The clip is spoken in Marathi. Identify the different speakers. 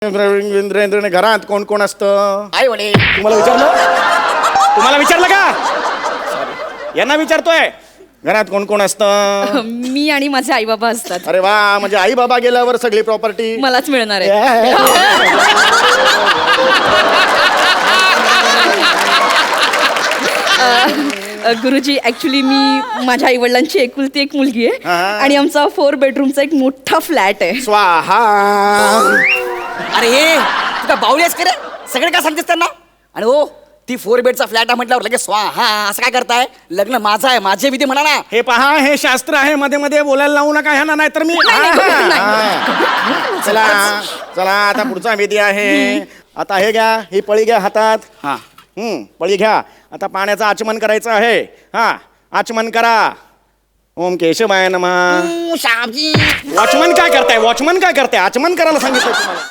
Speaker 1: घरात कोण कोण असतं?
Speaker 2: आई वडील.
Speaker 1: तुम्हाला विचारलं का? यांना विचारतोय घरात कोण कोण असतं?
Speaker 3: मी आणि माझे आई बाबा असतात.
Speaker 1: अरे वा, म्हणजे आई बाबा गेल्यावर सगळी प्रॉपर्टी
Speaker 3: मलाच मिळणार आहे. गुरुजी, ऍक्च्युली मी माझ्या आई वडिलांची एकुलती एक मुलगी आहे आणि आमचा 4 बेडरूमचा एक मोठा फ्लॅट आहे.
Speaker 1: स्वाहा.
Speaker 2: अरे हे तू काय बावली आहेस का रे? सगळे काय सांगतेस त्यांना? आणि हो, ती 4 बेडचा फ्लॅट आहे म्हटल्यावर लगेच स्वाहा असं काय करताय? लग्न माझं आहे, माझे विधी म्हणा ना.
Speaker 1: हे पहा, हे शास्त्र आहे, मध्ये मध्ये बोलायला लावू नका ह्यांना, नाहीतर मी चला चला आता पुढचा विधी आहे. आता हे घ्या, ही पळी घ्या हातात.
Speaker 2: हा,
Speaker 1: पळी घ्या. आता पाण्याचं आचमन करायचं आहे. हा, आचमन करा. ओम केशवाय नमः.
Speaker 2: श्यामजी.
Speaker 1: वॉचमन काय करताय? आचमन करायला सांगितलं तुम्हाला.